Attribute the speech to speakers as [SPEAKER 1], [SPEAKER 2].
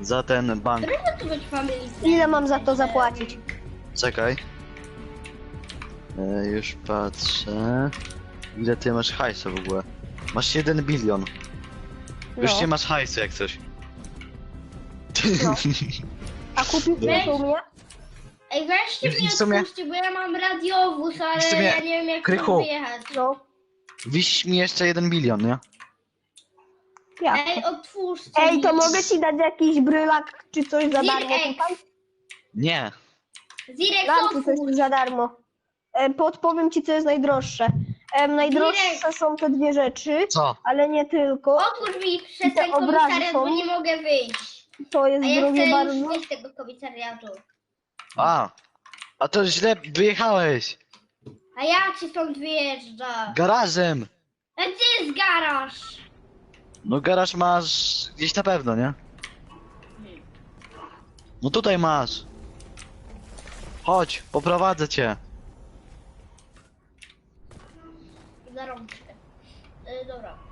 [SPEAKER 1] Za ten bank.
[SPEAKER 2] Trudno tu być family.
[SPEAKER 3] Ile mam za to zapłacić?
[SPEAKER 1] Czekaj. Już patrzę. Ile ty masz hajsu w ogóle? Masz 1 bilion. Już nie masz hajsu jak coś.
[SPEAKER 3] No. A kupił
[SPEAKER 2] Weź.
[SPEAKER 3] to u mnie?
[SPEAKER 2] Ej, weźcie
[SPEAKER 1] I
[SPEAKER 2] mnie
[SPEAKER 1] w sumie-
[SPEAKER 2] odpuśćcie, bo ja mam radiowóz, ale
[SPEAKER 1] w sumie,
[SPEAKER 2] ja nie wiem jak
[SPEAKER 1] Krychu.
[SPEAKER 2] tam wyjechać.
[SPEAKER 3] No.
[SPEAKER 1] Wiś mi jeszcze 1 bilion, nie?
[SPEAKER 3] Jak?
[SPEAKER 2] Ej, otwórzcie
[SPEAKER 3] Ej,
[SPEAKER 2] mi.
[SPEAKER 3] to mogę ci dać jakiś brylak czy coś za darmo
[SPEAKER 2] Zirek.
[SPEAKER 3] tutaj?
[SPEAKER 1] Nie.
[SPEAKER 2] Zirek,
[SPEAKER 3] Dam ci
[SPEAKER 2] otwórz.
[SPEAKER 3] coś za darmo. Podpowiem ci, co jest najdroższe. Najdroższe są te dwie rzeczy,
[SPEAKER 1] Co?
[SPEAKER 3] ale nie tylko.
[SPEAKER 2] Otwórz mi przez
[SPEAKER 3] I te
[SPEAKER 2] ten
[SPEAKER 3] obrazy
[SPEAKER 2] komisariat,
[SPEAKER 3] są.
[SPEAKER 2] bo nie mogę wyjść.
[SPEAKER 3] To jest
[SPEAKER 2] A ja
[SPEAKER 3] drogie
[SPEAKER 2] chcę
[SPEAKER 3] bardzo.
[SPEAKER 2] już wyjść z tego komisariatu.
[SPEAKER 1] A to źle wyjechałeś.
[SPEAKER 2] A jak się stąd wyjeżdża?
[SPEAKER 1] Garażem.
[SPEAKER 2] A gdzie jest garaż?
[SPEAKER 1] No garaż masz gdzieś na pewno, nie? No tutaj masz. Chodź, poprowadzę cię.
[SPEAKER 2] Za rączkę. Dobra.